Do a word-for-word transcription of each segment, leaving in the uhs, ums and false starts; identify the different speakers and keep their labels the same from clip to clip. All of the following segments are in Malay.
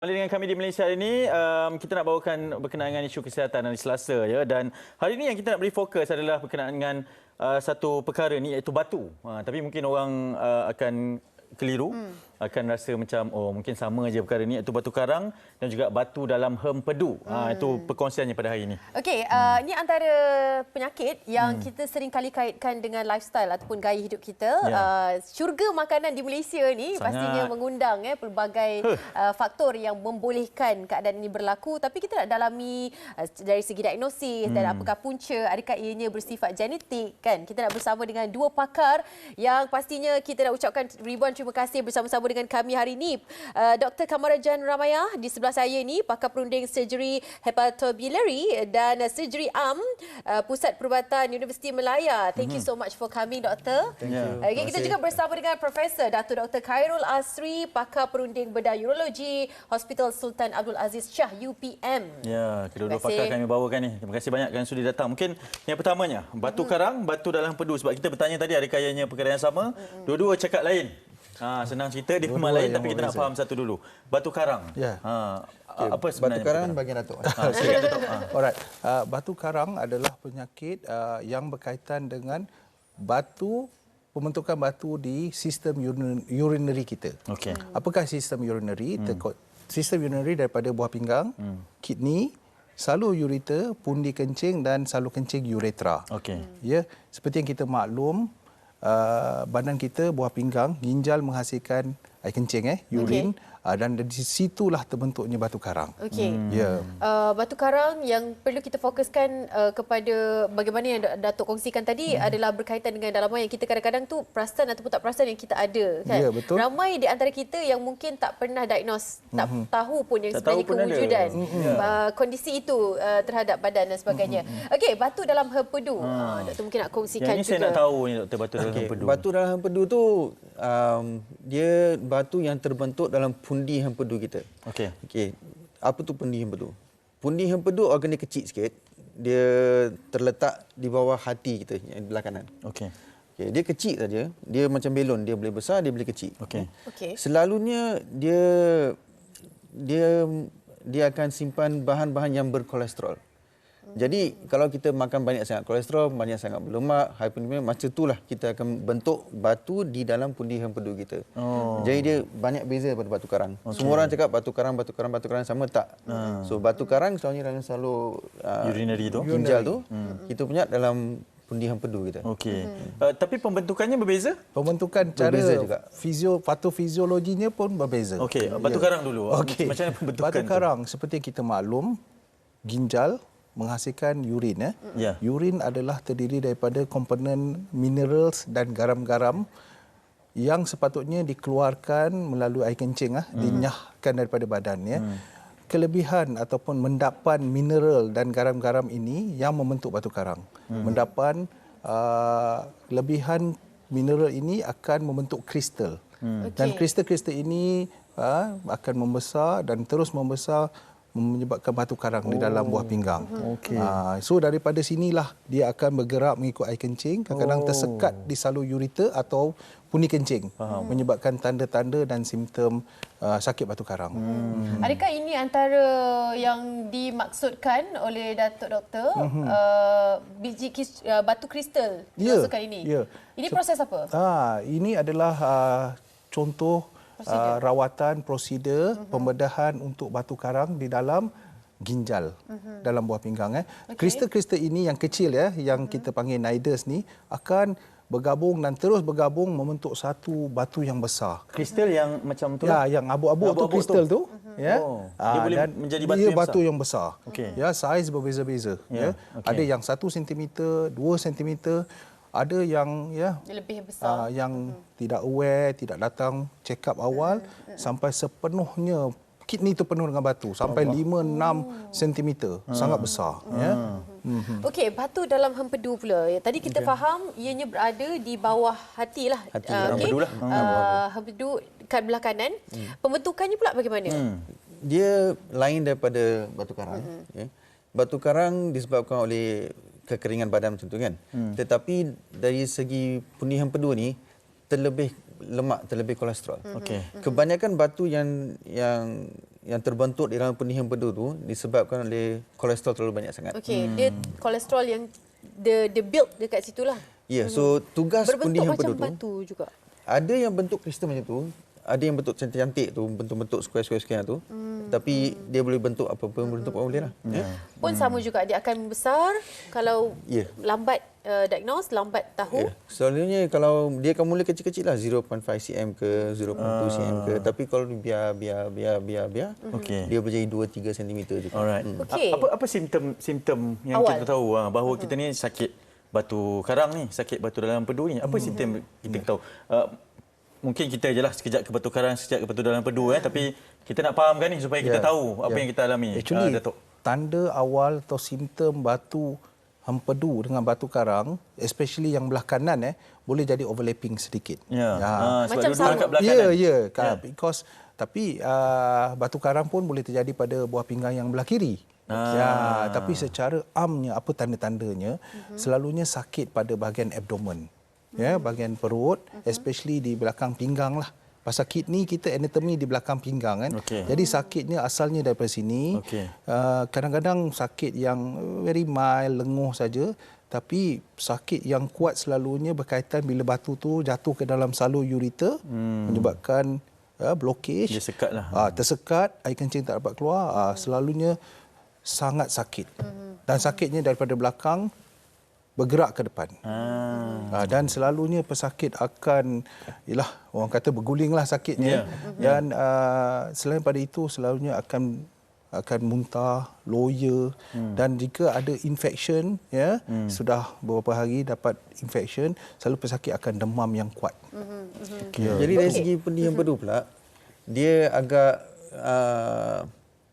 Speaker 1: Kembali dengan kami di Malaysia hari ini, um, kita nak bawakan berkenaan dengan isu kesihatan hari Selasa, ya. Dan hari ini yang kita nak beri fokus adalah berkenaan dengan uh, satu perkara ni, iaitu batu. Uh, tapi mungkin orang uh, akan keliru, hmm. akan rasa macam oh mungkin sama aja perkara ni, iaitu batu karang dan juga batu dalam hempedu. Hmm. Uh, itu perkongsiannya pada hari ini.
Speaker 2: Okey, uh, ini antara penyakit yang hmm. kita sering kali kaitkan dengan lifestyle ataupun gaya hidup kita. Ya. Uh, syurga makanan di Malaysia ni Sangat. pastinya mengundang eh pelbagai huh. uh, faktor yang membolehkan keadaan ini berlaku, tapi kita nak dalami uh, dari segi diagnosis hmm. dan apakah punca, adakah ianya bersifat genetik, kan? Kita nak bersama dengan dua pakar yang pastinya kita nak ucapkan ribuan terima kasih bersama-sama dengan kami hari ini. Uh, Doktor Kamarajan Ramayah di sebelah saya ni, pakar perunding surgery hepatobiliary dan uh, surgery arm uh, Pusat Perubatan Universiti Melaya. Thank mm-hmm. you so much for coming, Doktor.
Speaker 3: Thank you.
Speaker 2: Okay, kita juga bersama dengan Profesor Dato' Doktor Khairul Asri, pakar perunding bedah urologi Hospital Sultan Abdul Aziz Shah U P M.
Speaker 1: Ya, kedua-dua pakar kami bawakan ni. Terima kasih banyak kerana sudi datang. Mungkin yang pertamanya, batu mm-hmm. karang, batu dalam empedu. Sebab kita bertanya tadi adakah ianya perkara yang sama. Mm-hmm. Dua-dua cakap lain. Ha, senang cerita, dia memang lain, tapi kita nak faham satu dulu. Batu karang.
Speaker 3: Ya.
Speaker 1: Ha,
Speaker 3: okay.
Speaker 1: Apa sebenarnya?
Speaker 3: Batu karang bagian Datuk.
Speaker 1: Ha, silakan Datuk. Ha.
Speaker 3: Alright. Uh, batu karang adalah penyakit uh, yang berkaitan dengan batu, pembentukan batu di sistem urinary kita.
Speaker 1: Okey.
Speaker 3: Apakah sistem urinary? Hmm. Sistem urinary daripada buah pinggang, hmm. kidney, salur ureter, pundi kencing dan salur kencing uretra.
Speaker 1: Okey.
Speaker 3: Ya, seperti yang kita maklum, Uh, badan kita, buah pinggang, ginjal menghasilkan air kencing, eh, urin. Okay. Uh, dan di situlah terbentuknya batu karang.
Speaker 2: Okey.
Speaker 3: Hmm. Yeah.
Speaker 2: Uh, batu karang yang perlu kita fokuskan uh, kepada bagaimana yang Datuk kongsikan tadi hmm. adalah berkaitan dengan dalaman yang kita kadang-kadang tu perasan ataupun tak perasan yang kita ada, kan?
Speaker 3: Ya, betul.
Speaker 2: Ramai di antara kita yang mungkin tak pernah diagnose, hmm. tak tahu pun yang
Speaker 1: tak
Speaker 2: sebenarnya kewujudan
Speaker 1: hmm.
Speaker 2: uh, kondisi itu uh, terhadap badan dan sebagainya. Hmm. Okey, batu dalam hempedu. Hmm. Uh, Doktor mungkin nak kongsikan
Speaker 1: yang ini
Speaker 2: juga.
Speaker 1: Saya nak tahu ni, Doktor, batu dalam
Speaker 4: okay.
Speaker 1: hempedu.
Speaker 4: Batu dalam hempedu tu um, dia batu yang terbentuk dalam pundi hempedu kita.
Speaker 1: Okey.
Speaker 4: Okey. Apa tu pundi hempedu? Pundi hempedu organ dia kecil sikit. Dia terletak di bawah hati kita yang di belah kanan.
Speaker 1: Okey.
Speaker 4: Okey, dia kecil saja. Dia macam belon, dia boleh besar, dia boleh kecil.
Speaker 1: Okey.
Speaker 2: Okey.
Speaker 4: Selalunya dia dia dia akan simpan bahan-bahan yang berkolesterol. Jadi kalau kita makan banyak sangat kolesterol, banyak sangat berlemak, hyperlipidemia, macam itulah kita akan bentuk batu di dalam pundi hempedu kita. Oh. Jadi dia banyak beza daripada batu karang. Okay. Semua orang cakap batu karang, batu karang, batu karang sama, tak. Hmm. So batu karang selalunya dalam salur uh,
Speaker 1: urinary tu,
Speaker 4: ginjal tu, hmm. kita punya dalam pundi hempedu kita.
Speaker 1: Okey. Hmm. Uh, tapi pembentukannya berbeza?
Speaker 3: Pembentukan cara
Speaker 4: berbeza juga.
Speaker 3: Fisio, patofisiologinya pun berbeza.
Speaker 1: Okey, batu ya. karang dulu.
Speaker 3: Okay.
Speaker 1: Macam mana pembentukan
Speaker 3: batu karang
Speaker 1: tu?
Speaker 3: Seperti yang kita maklum, ginjal menghasilkan urin. Eh?
Speaker 1: Yeah.
Speaker 3: Urin adalah terdiri daripada komponen minerals dan garam-garam yang sepatutnya dikeluarkan melalui air kencing, ah, hmm. dinyahkan daripada badan. Ya. Hmm. Kelebihan ataupun mendapan mineral dan garam-garam ini yang membentuk batu karang. Hmm. Mendapan uh, kelebihan mineral ini akan membentuk kristal. Hmm. Okay. Dan kristal-kristal ini uh, akan membesar dan terus membesar, menyebabkan batu karang oh. di dalam buah pinggang.
Speaker 1: Okay.
Speaker 3: Ha, so daripada sinilah dia akan bergerak mengikut air kencing, kadang-kadang oh. tersekat di salur ureter atau pundi kencing. Faham. Menyebabkan tanda-tanda dan simptom uh, sakit batu karang.
Speaker 2: Hmm. Hmm. Adakah ini antara yang dimaksudkan oleh Datuk Doktor, hmm. uh, biji kis, uh, batu kristal dimaksudkan yeah. ini? Yeah. Ini proses apa?
Speaker 3: Ha, ini adalah uh, contoh Uh, rawatan, prosedur uh-huh. pembedahan untuk batu karang di dalam ginjal, uh-huh. dalam buah pinggang. Eh. Okay. Kristal-kristal ini yang kecil, ya, yang uh-huh. kita panggil nidus ni, akan bergabung dan terus bergabung membentuk satu batu yang besar.
Speaker 1: Kristal yang macam tu?
Speaker 3: Ya, yang abu-abu tu kristal tu. Uh-huh. Ya.
Speaker 1: Oh. Dia uh, boleh
Speaker 3: dan
Speaker 1: menjadi batu
Speaker 3: dia
Speaker 1: yang
Speaker 3: batu
Speaker 1: besar?
Speaker 3: yang besar. Okay. Ya, saiz berbeza-beza. Yeah. Ya. Okay. Ada yang satu sentimeter, dua sentimeter. Ada yang ya
Speaker 2: lebih besar,
Speaker 3: uh, yang hmm. tidak aware, tidak datang check up awal hmm. sampai sepenuhnya kidney itu penuh dengan batu sampai lima enam sentimeter, hmm. sangat besar. Hmm. Ya. Hmm.
Speaker 2: Okey, batu dalam hempedu pula. Tadi kita okay. faham ianya berada di bawah hati lah.
Speaker 4: Hati
Speaker 2: uh, okay.
Speaker 1: hempedu lah.
Speaker 2: Uh, hempedu kat belah kanan. Hmm. Pembentukannya pula bagaimana? Hmm.
Speaker 4: Dia lain daripada batu karang. Hmm. Ya. Batu karang disebabkan oleh kekeringan badan macam tu, kan. Hmm. Tetapi dari segi pundi hempedu ni terlebih lemak terlebih kolesterol.
Speaker 1: Okey.
Speaker 4: Kebanyakan batu yang yang yang terbentuk di dalam penih empedu tu disebabkan oleh kolesterol terlalu banyak sangat.
Speaker 2: Okey, hmm. dia kolesterol yang the the build dekat situlah.
Speaker 4: Ya, yeah, so tugas penih
Speaker 2: berbentuk
Speaker 4: empedu
Speaker 2: macam
Speaker 4: tu
Speaker 2: batu juga.
Speaker 4: ada yang bentuk kristal macam tu, ada yang bentuk cantik-cantik tu, bentuk-bentuk square-square tu. Hmm. Tapi hmm. dia boleh bentuk apa-apa bentuk apa boleh lah. Hmm. Ya.
Speaker 2: Pun sama juga dia akan membesar kalau
Speaker 4: yeah.
Speaker 2: lambat uh, diagnose, lambat tahu.
Speaker 4: Yeah. Selalunya kalau dia akan mula kecil-kecil lah zero point five centimeter ke zero point two centimeter ke, tapi kalau biar biar biar biar biar
Speaker 1: okay.
Speaker 4: dia boleh jadi dua tiga sentimeter juga.
Speaker 1: Alright.
Speaker 2: Hmm. Okay.
Speaker 1: Apa apa simptom simptom yang
Speaker 2: Awal.
Speaker 1: kita tahu bahawa kita ni sakit batu karang ni, sakit batu dalam empedu ni? Apa hmm. simptom kita tahu? Uh, mungkin kita je lah sekejap ke batu karang, sekejap ke batu dalam empedu eh, tapi kita nak fahamkan ni supaya kita yeah. tahu apa yeah. yang kita alami.
Speaker 3: Actually,
Speaker 1: uh, Datuk.
Speaker 3: Tanda awal atau simptom batu empedu dengan batu karang, especially yang belah kanan eh, boleh jadi overlapping sedikit.
Speaker 1: Ya.
Speaker 3: Ya.
Speaker 1: Ha, sebab
Speaker 2: macam sama.
Speaker 1: Kat belah
Speaker 3: ya,
Speaker 1: kanan.
Speaker 3: ya,
Speaker 1: Ya.
Speaker 3: because tapi uh, batu karang pun boleh terjadi pada buah pinggang yang belah kiri.
Speaker 1: Ah.
Speaker 3: Ya, tapi secara amnya apa tanda-tandanya? Uh-huh. Selalunya sakit pada bahagian abdomen. Ya, bahagian perut, uh-huh. especially di belakang pinggang lah. Pasal kidney kita anatomi di belakang pinggang kan.
Speaker 1: Okay.
Speaker 3: Jadi sakitnya asalnya daripada sini.
Speaker 1: Okay.
Speaker 3: Uh, kadang-kadang sakit yang very mild, lenguh saja. Tapi sakit yang kuat selalunya berkaitan bila batu tu jatuh ke dalam salur ureter, hmm. menyebabkan uh, blockage.
Speaker 1: Dia sekat lah.
Speaker 3: Uh, tersekat, air kencing tak dapat keluar. Uh, selalunya sangat sakit. Dan sakitnya daripada belakang bergerak ke depan. Ah. Dan selalunya pesakit akan, ialah orang kata bergulinglah sakitnya. Yeah. Dan uh, selain pada itu selalunya akan akan muntah, loya hmm. dan jika ada infection ya, hmm. sudah beberapa hari dapat infection, selalu pesakit akan demam yang kuat. Hmm.
Speaker 4: Okay. Yeah. Jadi dari segi penih empedu pula, dia agak uh,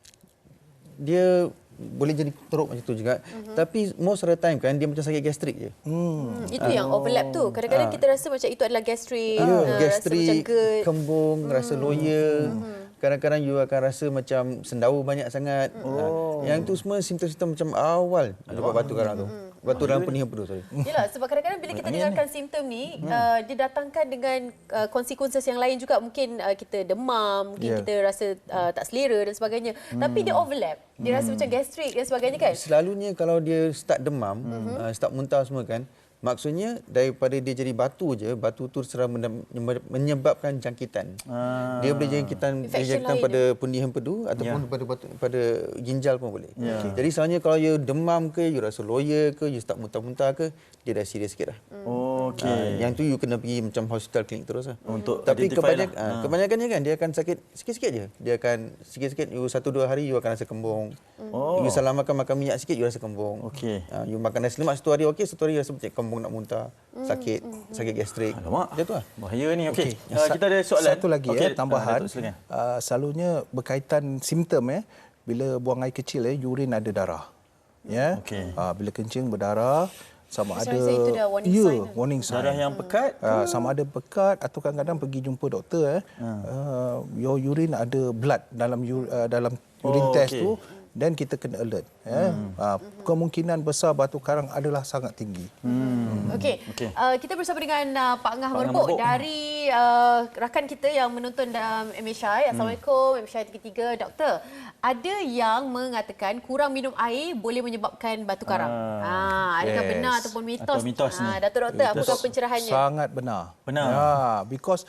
Speaker 4: dia boleh jadi teruk macam tu juga. Uh-huh. Tapi most of the time kan dia macam sakit gastrik je. Hmm.
Speaker 2: Hmm, itu uh, yang overlap tu. Kadang-kadang uh, kita rasa macam itu adalah gastrik,
Speaker 4: uh,
Speaker 2: uh,
Speaker 4: gastrik,
Speaker 2: rasa macam GERD,
Speaker 4: kembung, hmm. rasa loya. Hmm. Kadang-kadang you akan rasa macam sendawa banyak sangat. Oh. Uh, yang tu semua simptom-simptom macam awal dapat batu karang tu. Hmm. Batu dalam penih empedu sorry.
Speaker 2: Yalah, sebab kadang-kadang bila kita dengarkan simptom ni, hmm. uh, didatangkan dengan uh, consequences yang lain juga. Mungkin uh, kita demam, mungkin yeah. kita rasa uh, tak selera dan sebagainya. Hmm. Tapi dia overlap. Dia hmm. rasa macam gastrik dan sebagainya kan?
Speaker 4: Selalunya kalau dia start demam, hmm. uh, start muntah semua kan, maksudnya daripada dia jadi batu je, batu tu serang menyebabkan jangkitan. Ah. Dia boleh jangkitan, jangkitan pada penih empedu ataupun yeah. pada batu, pada ginjal pun boleh. Yeah. Okay. Jadi sebenarnya kalau you demam ke, you rasa loya ke, you start muntah-muntah ke, dia dah serius sikit dah.
Speaker 1: Oh, okey.
Speaker 4: Uh, yang tu you kena pergi macam hospital klinik terus lah.
Speaker 1: Untuk
Speaker 4: tapi kebanyak,
Speaker 1: lah.
Speaker 4: uh, kebanyakannya kan dia akan sakit sikit-sikit je. Dia akan sikit-sikit, you satu dua hari you akan rasa kembung. Oh. You salah makan makan minyak sikit, you rasa kembung.
Speaker 1: Okey.
Speaker 4: Uh, you makan nasi lemak satu hari okey, satu hari rasa macam kembung nak muntah, sakit, mm, sakit gastrik.
Speaker 1: Alamak.
Speaker 4: Dia tu lah.
Speaker 1: Bahaya ni. Okey. Okay. Uh,
Speaker 3: Sa-
Speaker 1: kita ada soalan.
Speaker 3: Satu lagi okay. ya, tambahan.
Speaker 1: Uh,
Speaker 3: uh, selalunya berkaitan simptom eh, bila buang air kecil eh, urin ada darah. Ya. Okay. Uh, bila kencing berdarah, sama
Speaker 2: Saya
Speaker 3: ada
Speaker 2: itu dah warning
Speaker 3: ya,
Speaker 2: sign.
Speaker 3: warning sign.
Speaker 1: Darah yang pekat.
Speaker 3: Uh, sama ada pekat atau kadang-kadang pergi jumpa doktor eh. Hmm. Uh, your urine ada blood dalam uh, dalam urine
Speaker 1: oh,
Speaker 3: test
Speaker 1: okay.
Speaker 3: tu. Dan kita kena alert. Ya. Hmm. Uh, kemungkinan besar batu karang adalah sangat tinggi.
Speaker 2: Hmm. Okey. Okay. Uh, kita bersama dengan uh, Pak Ngah
Speaker 1: Pak
Speaker 2: Merbok dari uh, rakan kita yang menonton dalam M H I. Assalamualaikum, hmm. M H I tiga tiga. Doktor, ada yang mengatakan kurang minum air boleh menyebabkan batu karang. Ah, ah adakah yes. benar ataupun mitos?
Speaker 1: Atau mitos
Speaker 2: ah, Datuk Doktor, apakah pencerahannya?
Speaker 3: Sangat benar.
Speaker 1: Benar.
Speaker 3: Ya, because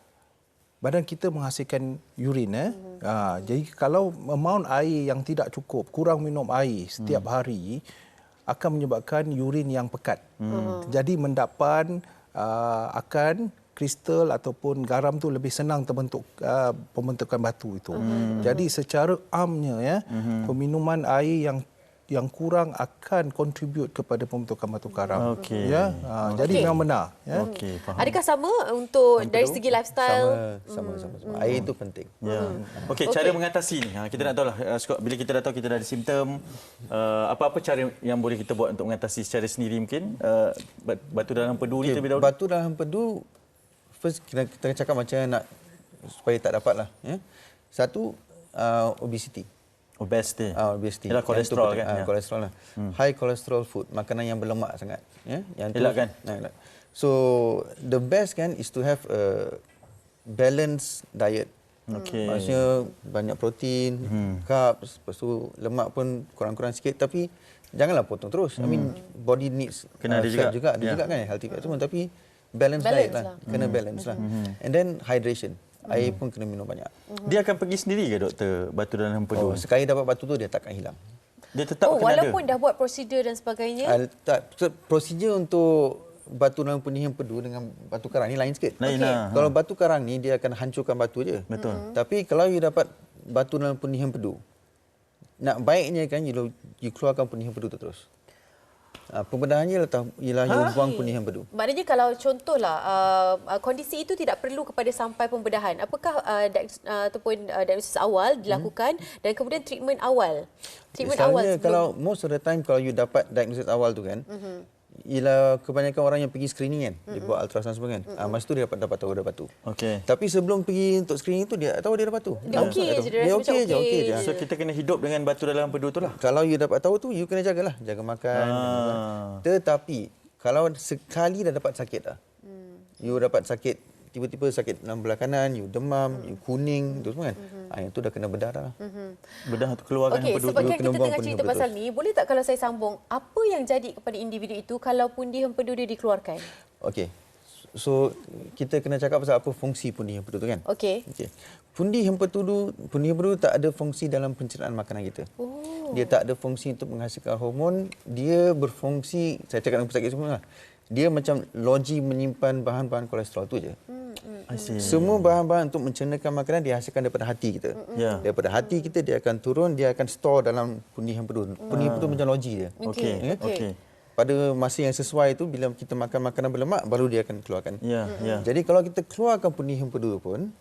Speaker 3: badan kita menghasilkan urin eh. Hmm. Ha, jadi kalau amount air yang tidak cukup, kurang minum air setiap hmm. hari akan menyebabkan urin yang pekat. Hmm. Jadi mendapat uh, akan kristal ataupun garam tu lebih senang terbentuk uh, pembentukan batu itu. Hmm. Jadi secara amnya ya, hmm. peminuman air yang yang kurang akan contribute kepada pembentukan batu karang. Okay. Ya, ha, okay. Jadi memang benar. Ya.
Speaker 1: Okay, faham.
Speaker 2: Adakah sama untuk Sampai dari segi lifestyle?
Speaker 4: Sama, sama, sama. Hmm. Air itu penting.
Speaker 1: Ya. Hmm. Okey, cara okay. mengatasi ni. Kita nak tahulah bila kita dah tahu kita dah ada simptom, uh, apa-apa cara yang boleh kita buat untuk mengatasi secara sendiri mungkin uh, batu dalam empedu ni
Speaker 4: okay.
Speaker 1: terlebih dahulu.
Speaker 4: Batu dalam empedu first kita, kita cakap macam nak supaya tak dapatlah ya. Satu uh, obesity.
Speaker 1: Obesity.
Speaker 4: Ah, obesity.
Speaker 1: Ialah kolesterol kan?
Speaker 4: Ah,
Speaker 1: ya.
Speaker 4: Kolesterol lah. Hmm. High cholesterol food, makanan yang berlemak sangat. Ya, yang
Speaker 1: elak kan?
Speaker 4: Nah, elak. So the best kan is to have a balance diet.
Speaker 1: Okey.
Speaker 4: Maksudnya banyak protein, hmm. carbs, lepas tu lemak pun kurang-kurang sikit, tapi janganlah potong terus. Hmm. I mean body needs
Speaker 1: kena
Speaker 4: uh,
Speaker 1: ada
Speaker 4: fat
Speaker 1: juga.
Speaker 4: juga, ada
Speaker 1: yeah.
Speaker 4: juga kan healthy fat semua, tapi balance,
Speaker 2: balance
Speaker 4: diet lah.
Speaker 2: lah.
Speaker 4: Kena
Speaker 1: Hmm.
Speaker 4: balance lah. Hmm. And then hydration. Hmm. Air pun kena minum banyak.
Speaker 1: Dia akan pergi sendiri ke doktor batu dalam empedu?
Speaker 4: Oh, sekali dapat batu tu dia takkan hilang.
Speaker 1: Dia tetap
Speaker 2: Oh,
Speaker 1: kena
Speaker 2: walaupun
Speaker 1: ada.
Speaker 2: dah buat prosedur dan sebagainya.
Speaker 4: Uh, tak, so, prosedur untuk batu dalam penih empedu dengan batu karang ni lain sikit.
Speaker 1: Lain
Speaker 2: Okey.
Speaker 1: lah.
Speaker 4: Kalau batu karang ni dia akan hancurkan batu je.
Speaker 1: Betul.
Speaker 4: Mm-hmm. Tapi kalau you dapat batu dalam penih empedu, nak baiknya kan you, you keluarkan penih empedu tu terus. Uh, pembedahannya ialah, ialah you buang penih empedu.
Speaker 2: Maknanya kalau contohlah uh, uh, kondisi itu tidak perlu kepada sampai pembedahan. Apakah uh, diagnosis, uh, ataupun uh, diagnosis awal dilakukan hmm. dan kemudian treatment awal. Treatment awal
Speaker 4: Selalunya
Speaker 2: sebelum
Speaker 4: kalau most of the time kalau you dapat diagnosis awal tu kan, mm-hmm. ialah kebanyakan orang yang pergi screening kan, mm-hmm. dia buat ultrasound semua kan. Mm-hmm. Ah, masa tu dia dapat dapat tahu ada batu.
Speaker 1: Okey.
Speaker 4: Tapi sebelum pergi untuk screening tu dia tak tahu dia ada batu.
Speaker 2: Dia okey je, dia
Speaker 4: Dia
Speaker 2: rasa
Speaker 4: okey
Speaker 2: macam
Speaker 4: je,
Speaker 2: okey
Speaker 4: okey je.
Speaker 2: je.
Speaker 1: So kita kena hidup dengan batu dalam empedu tu lah.
Speaker 4: Kalau you dapat tahu tu, you kena jagalah. Jaga makan.
Speaker 1: Ah.
Speaker 4: Tetapi, kalau sekali dah dapat sakit dah, hmm. you dapat sakit, tiba-tiba sakit dalam belah kanan, you demam, hmm. you kuning, tu semua kan. Hmm. Ah, yang tu dah kena bedah dah. Hmm.
Speaker 1: Bedah tu keluarkan
Speaker 2: Okey,
Speaker 1: empedu
Speaker 2: sebab
Speaker 1: tu.
Speaker 2: kan
Speaker 4: kena
Speaker 2: kita
Speaker 4: buang
Speaker 2: tengah
Speaker 4: penih
Speaker 2: cerita
Speaker 4: empedu
Speaker 2: pasal ni, boleh tak kalau saya sambung, apa yang jadi kepada individu itu kalau pundi empedu dia dikeluarkan?
Speaker 4: Okey. So, kita kena cakap pasal apa fungsi pundi empedu tu kan?
Speaker 2: Okey.
Speaker 4: Okey. Pundi empedu, pundi empedu tak ada fungsi dalam pencernaan makanan kita.
Speaker 2: Oh.
Speaker 4: Dia tak ada fungsi untuk menghasilkan hormon. Dia berfungsi, saya cakap dengan pesakit semua lah. Dia macam loji menyimpan bahan-bahan kolesterol tu je.
Speaker 2: Hmm, hmm.
Speaker 1: I see.
Speaker 4: Semua bahan-bahan untuk mencernakan makanan dihasilkan daripada hati kita.
Speaker 1: Ya.
Speaker 4: Daripada hati kita dia akan turun, dia akan store dalam pundi empedu. Pundi empedu macam loji dia.
Speaker 1: Okey.
Speaker 2: Okey.
Speaker 1: Okey.
Speaker 4: Pada masa yang sesuai itu, bila kita makan makanan berlemak, baru dia akan keluarkan.
Speaker 1: Ya, ya.
Speaker 4: Jadi kalau kita keluarkan pundi empedu pun,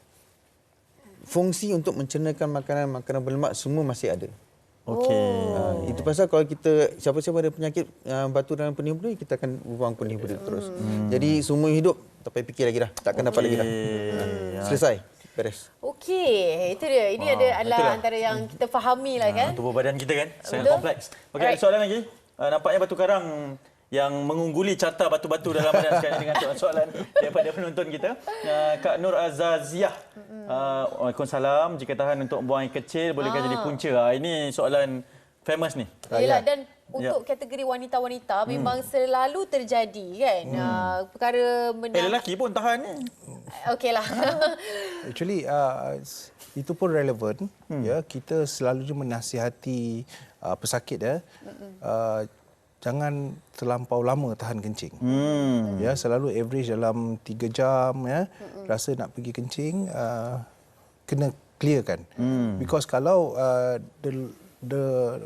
Speaker 4: fungsi untuk mencernakan makanan-makanan berlemak semua masih ada.
Speaker 1: Okey.
Speaker 4: Uh, itu pasal kalau kita, siapa-siapa ada penyakit uh, batu dalam pundi empedu, kita akan buang pundi empedu terus. Hmm. Jadi semua hidup, tak payah fikir lagi dah. Takkan dapat lagi dah. Uh, selesai. Beres.
Speaker 2: Okey, itu dia. Ini
Speaker 1: Wow,
Speaker 2: ada adalah
Speaker 1: itulah.
Speaker 2: antara yang kita fahami lah kan.
Speaker 1: Ha, tubuh badan kita kan sangat
Speaker 2: Betul.
Speaker 1: kompleks. Okey,
Speaker 2: Alright.
Speaker 1: ada soalan lagi. Uh, nampaknya batu karang yang mengungguli carta batu-batu dalam badan sekarang dengan soalan daripada penonton kita. Uh, Kak Nur Azaziah. Uh, Waalaikumsalam. Jika tahan untuk buang air kecil, bolehkah
Speaker 2: Ah.
Speaker 1: jadi punca? Uh, ini soalan famous ni.
Speaker 2: Yelah, dan
Speaker 1: Ya.
Speaker 2: untuk kategori wanita-wanita memang selalu terjadi kan. Uh, perkara
Speaker 1: Eh,
Speaker 2: menang.
Speaker 1: lelaki pun tahan ni.
Speaker 2: Okeylah.
Speaker 3: Actually, uh, itu pun relevan. Hmm. Ya, kita selalu menasihati uh, pesakit ya, uh, jangan terlampau lama tahan kencing.
Speaker 1: Hmm.
Speaker 3: Ya, selalu average dalam tiga jam ya. Hmm. Rasa nak pergi kencing, uh, kena clearkan. Hmm. Because kalau uh, the the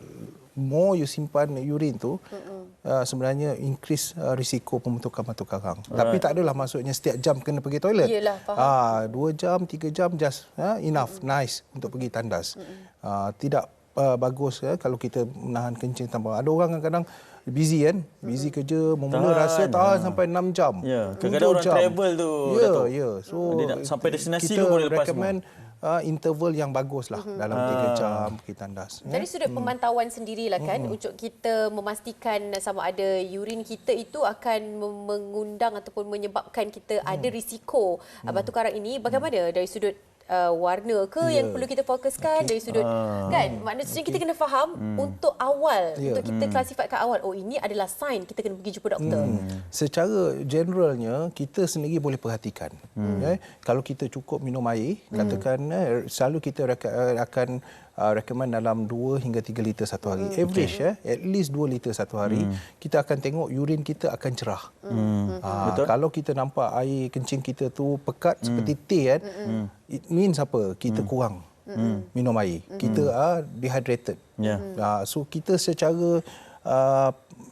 Speaker 3: more you simpan urine tu, uh, sebenarnya increase uh, risiko pembentukan batu karang. Right. Tapi tak adalah maksudnya setiap jam kena pergi toilet.
Speaker 2: Yelah, faham.
Speaker 3: Ah, dua jam, tiga jam just uh, enough, nice untuk pergi tandas. Uh, tidak uh, bagus ya, kalau kita menahan kencing tanpa. Ada orang kadang-kadang busy kan, busy kerja, memula
Speaker 1: Tahan,
Speaker 3: rasa tahan
Speaker 1: ha.
Speaker 3: sampai enam jam.
Speaker 1: Ya, kadang-kadang
Speaker 3: tujuh
Speaker 1: orang
Speaker 3: jam.
Speaker 1: travel tu,
Speaker 3: Ya,
Speaker 1: Dato'.
Speaker 3: ya. So
Speaker 1: Dia nak sampai destinasi
Speaker 3: kita
Speaker 1: pun boleh lepas
Speaker 3: recommend uh, interval yang bagus lah mm-hmm. dalam tiga jam pergi tandas.
Speaker 2: Dari sudut
Speaker 3: Hmm.
Speaker 2: pemantauan sendirilah kan, untuk kita memastikan sama ada urin kita itu akan mem- mengundang ataupun menyebabkan kita ada risiko uh, batu karang ini. Bagaimana dari sudut uh, warna ke
Speaker 3: Ya.
Speaker 2: yang perlu kita fokuskan, dari sudut kan, maksudnya kita kena faham untuk awal,
Speaker 3: Ya.
Speaker 2: untuk kita klasifikkan awal, oh ini adalah sign kita kena pergi jumpa doktor.
Speaker 3: Hmm. Secara generalnya kita sendiri boleh perhatikan. Hmm. Ya, kalau kita cukup minum air, katakan eh, selalu kita reka- eh, akan uh, recommend dalam dua hingga tiga liter satu hari. Hmm. Average ya, at least dua liter satu hari. Hmm. Kita akan tengok urin kita akan cerah. Hmm. Uh,
Speaker 1: Betul.
Speaker 3: Kalau kita nampak air kencing kita tu pekat hmm. seperti teh kan, hmm. it means apa? Kita hmm. kurang hmm. minum air. Hmm. Kita are dehydrated.
Speaker 1: Ya.
Speaker 3: Uh, so kita secara uh,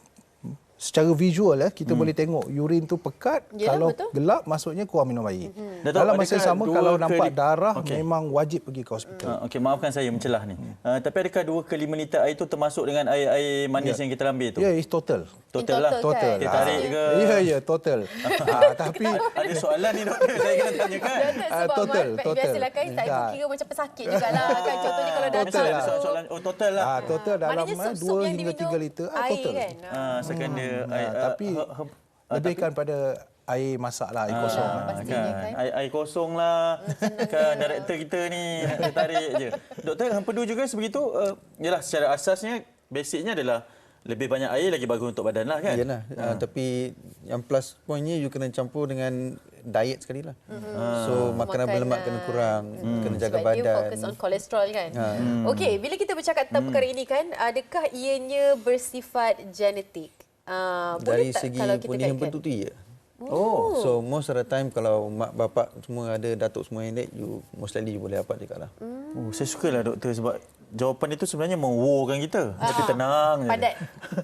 Speaker 3: secara visual ya, kita hmm. boleh tengok urin tu pekat.
Speaker 2: Yelah,
Speaker 3: kalau
Speaker 2: betul.
Speaker 3: gelap maksudnya kurang minum air.
Speaker 2: Hmm.
Speaker 1: Datuk,
Speaker 3: Dalam masa
Speaker 1: adakah
Speaker 3: sama
Speaker 1: dua
Speaker 3: kalau
Speaker 1: ke
Speaker 3: nampak
Speaker 1: li-
Speaker 3: darah
Speaker 1: Okey.
Speaker 3: memang wajib pergi ke hospital.
Speaker 1: Uh, Okey, maafkan saya mencelah ni. Uh, tapi adakah dua ke lima liter air itu termasuk dengan air-air manis
Speaker 3: Ya.
Speaker 1: yang kita ambil tu?
Speaker 3: Ya, it's total.
Speaker 1: Total lah.
Speaker 2: Total,
Speaker 3: Total.
Speaker 1: Dia tarik ke?
Speaker 3: Ya, ya, total. ah, tapi
Speaker 1: Ada soalan ni doktor, saya kena tanyakan.
Speaker 2: Datuk,
Speaker 3: Ah,
Speaker 2: sebab
Speaker 3: total,
Speaker 2: Mat-
Speaker 3: total.
Speaker 2: biasalah kan tak
Speaker 3: Tak.
Speaker 2: kira macam pesakit jugalah kan. Contohnya kalau
Speaker 3: Total
Speaker 2: datang
Speaker 1: Ada
Speaker 3: lah.
Speaker 2: tu-
Speaker 1: soalan, oh total lah.
Speaker 3: ah, total dalam
Speaker 2: Maknanya
Speaker 3: ah,
Speaker 2: sup-sup
Speaker 3: dua
Speaker 2: yang
Speaker 3: hingga
Speaker 2: diminum
Speaker 3: tiga liter. Ah,
Speaker 2: air
Speaker 3: total.
Speaker 2: kan.
Speaker 1: Uh, second dia
Speaker 3: Ah,
Speaker 1: air, uh,
Speaker 3: tapi
Speaker 1: her- her-
Speaker 3: lebihkan pada air masak lah, air
Speaker 1: Ah,
Speaker 3: kosong.
Speaker 2: lah,
Speaker 3: lah.
Speaker 2: pastinya
Speaker 1: kan.
Speaker 2: kan.
Speaker 1: Air, air kosong lah. Kan director kita ni nak tarik je. Doktor, hempedu juga sebegitu. Uh, yalah, secara asasnya, basicnya adalah lebih banyak air lagi bagus untuk badan lah kan.
Speaker 4: Yalah, ha. uh, tapi yang plus pointnya you kena campur dengan diet sekali lah. Mm-hmm. So makanan,
Speaker 2: Makanan.
Speaker 4: berlemak kena kurang, mm. kena jaga
Speaker 2: Sebab
Speaker 4: badan.
Speaker 2: dia fokus on kolesterol kan.
Speaker 4: Ha.
Speaker 2: Hmm. Okey, bila kita bercakap tentang hmm. perkara ini kan, adakah ianya bersifat genetik? Uh,
Speaker 4: Dari
Speaker 2: boleh tak
Speaker 4: segi
Speaker 2: kalau kita
Speaker 4: punya
Speaker 2: kaitkan?
Speaker 4: hempedu tu ya.
Speaker 1: Oh.
Speaker 4: So most of the time kalau mak bapak semua ada, datuk semua yang that, you most likely you boleh dapat juga lah.
Speaker 2: Hmm.
Speaker 1: Oh, saya sukalah doktor sebab jawapan itu sebenarnya mengwokan kita. Tapi tenang je.
Speaker 2: Padat.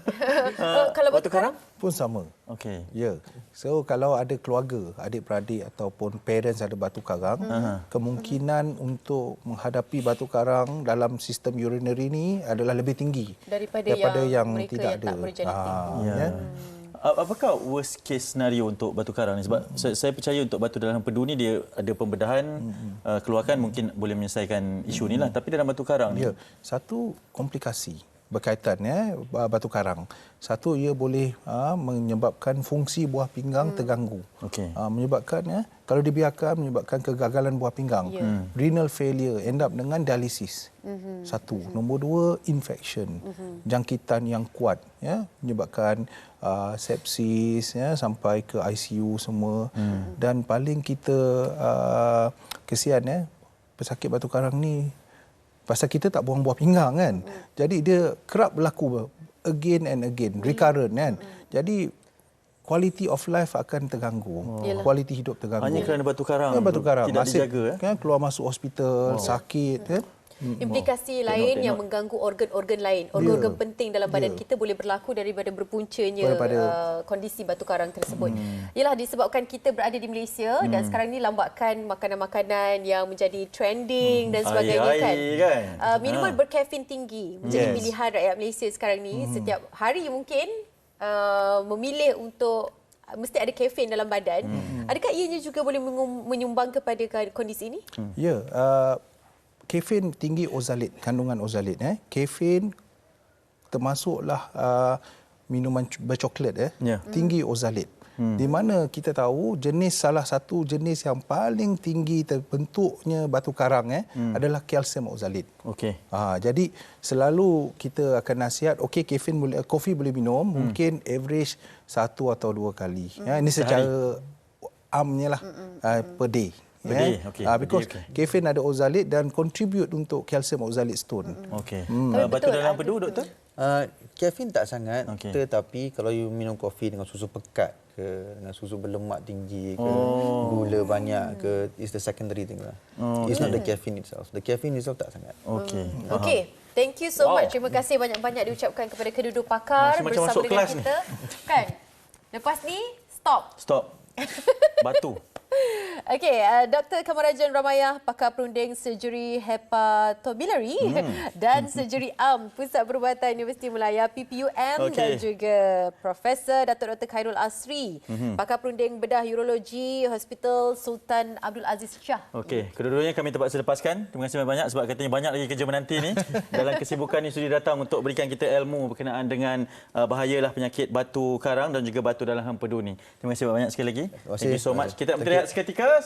Speaker 2: Oh, kalau
Speaker 1: Batu
Speaker 2: betul
Speaker 1: karang?
Speaker 3: Pun sama.
Speaker 1: Okey.
Speaker 3: Ya. So kalau ada keluarga, adik-beradik ataupun parents ada batu karang,
Speaker 1: Hmm.
Speaker 3: kemungkinan untuk menghadapi batu karang dalam sistem urinary ni adalah lebih tinggi
Speaker 2: daripada,
Speaker 3: daripada
Speaker 2: yang,
Speaker 3: yang,
Speaker 2: mereka
Speaker 3: tidak
Speaker 2: yang
Speaker 3: ada.
Speaker 2: tak bergenetik.
Speaker 3: Ah,
Speaker 1: Ya.
Speaker 3: ya.
Speaker 1: A- Apakah worst case scenario untuk batu karang ni? Sebab saya, saya percaya untuk batu dalam hempedu ni dia ada pembedahan, uh, keluarkan mungkin boleh menyelesaikan isu ni lah. Tapi dalam batu karang ni,
Speaker 3: Ya, satu komplikasi berkaitan ya batu karang. Satu, ia boleh ha, menyebabkan fungsi buah pinggang hmm. terganggu.
Speaker 1: Okey.
Speaker 3: Ha, menyebabkan ya kalau dibiarkan menyebabkan kegagalan buah pinggang.
Speaker 2: Ya. Hmm.
Speaker 3: Renal failure, end up dengan dialisis. Hmm. Satu. Nombor dua, infection. Hmm. Jangkitan yang kuat ya menyebabkan uh, sepsis ya sampai ke I C U semua. Hmm. Dan paling kita uh, kesian ya pesakit batu karang ni pasal kita tak buang buah pinggang kan. Mm. Jadi dia kerap berlaku again and again, recurrent kan. Mm. Jadi quality of life akan terganggu.
Speaker 2: Yalah.
Speaker 3: Kualiti hidup terganggu.
Speaker 1: hanya kerana batu karang,
Speaker 3: Ya, batu karang
Speaker 1: tidak
Speaker 3: masih
Speaker 1: dijaga. Eh?
Speaker 3: kan keluar masuk hospital, sakit kan.
Speaker 2: Implikasi
Speaker 1: Tengok,
Speaker 2: lain
Speaker 1: tengok.
Speaker 2: yang mengganggu organ-organ lain. Organ-organ penting dalam badan kita boleh berlaku daripada berpuncanya
Speaker 3: Daripada-
Speaker 2: uh, kondisi batu karang tersebut. Hmm. Ialah disebabkan kita berada di Malaysia hmm. dan sekarang ni lambakan makanan-makanan yang menjadi trending hmm. dan sebagainya
Speaker 1: Air-air
Speaker 2: kan.
Speaker 1: kan?
Speaker 2: Uh, minuman
Speaker 1: Ha.
Speaker 2: berkafein tinggi menjadi
Speaker 3: Yes.
Speaker 2: pilihan rakyat Malaysia sekarang ni. Hmm. Setiap hari mungkin uh, memilih untuk mesti ada kafein dalam badan. Hmm. Adakah ianya juga boleh mengum- menyumbang kepada kondisi ini?
Speaker 3: Hmm. Ya, uh, kafein tinggi ozalit, kandungan ozalit eh. Kafein termasuklah uh, minuman bercoklat eh.
Speaker 1: Ya.
Speaker 3: Tinggi ozalit. Hmm. Di mana kita tahu jenis salah satu jenis yang paling tinggi terbentuknya batu karang eh hmm. adalah kalsium oksalit.
Speaker 1: Okey.
Speaker 3: Ha, jadi selalu kita akan nasihat okey kafein boleh kopi boleh minum hmm. mungkin average satu atau dua kali. Hmm. Ya, ini secara amnya lah hmm. uh, per day.
Speaker 1: Per day, okey.
Speaker 3: Ah,
Speaker 1: Per
Speaker 3: because
Speaker 1: day, okey.
Speaker 3: kafein ada oksalit dan contribute untuk kalsium oksalit stone.
Speaker 1: Okey.
Speaker 3: Hmm.
Speaker 1: Uh, batu
Speaker 2: Betul,
Speaker 1: dalam
Speaker 2: ada-
Speaker 1: empedu doktor?
Speaker 4: Uh, kafein tak sangat,
Speaker 1: Okey.
Speaker 4: tetapi kalau you minum kopi dengan susu pekat ke, dengan susu berlemak tinggi ke,
Speaker 1: Oh.
Speaker 4: gula banyak ke, is the secondary thing lah.
Speaker 1: Oh,
Speaker 4: It's not the caffeine itself. The caffeine itself tak sangat.
Speaker 1: Okey.
Speaker 2: Okey. Thank you so
Speaker 1: Wow.
Speaker 2: much. Terima kasih banyak-banyak diucapkan kepada kedua-dua pakar
Speaker 1: Macam- macam
Speaker 2: bersama
Speaker 1: masuk
Speaker 2: dengan
Speaker 1: kelas ni.
Speaker 2: kita. Kan? Lepas ni, stop.
Speaker 1: Stop. Batu.
Speaker 2: Okey, uh, Doktor Kamarajan Ramayah, pakar perunding surgery hepatobiliary hmm. dan surgery am Pusat Perubatan Universiti Melaya P P U M
Speaker 1: Okey.
Speaker 2: dan juga Profesor Datuk Doktor Khairul Asri, hmm. pakar perunding bedah urologi Hospital Sultan Abdul Aziz Shah.
Speaker 1: Okey, kedua-duanya kami terpaksa lepaskan. Terima kasih banyak sebab katanya banyak lagi kerja menanti ni. Dalam kesibukan ni sudi datang untuk berikan kita ilmu berkenaan dengan uh, bahayalah penyakit batu karang dan juga batu dalam empedu ni. Terima kasih banyak sekali lagi.
Speaker 4: kasih.
Speaker 1: Thank you so much. Kita nak
Speaker 4: Thank
Speaker 1: berehat seketika.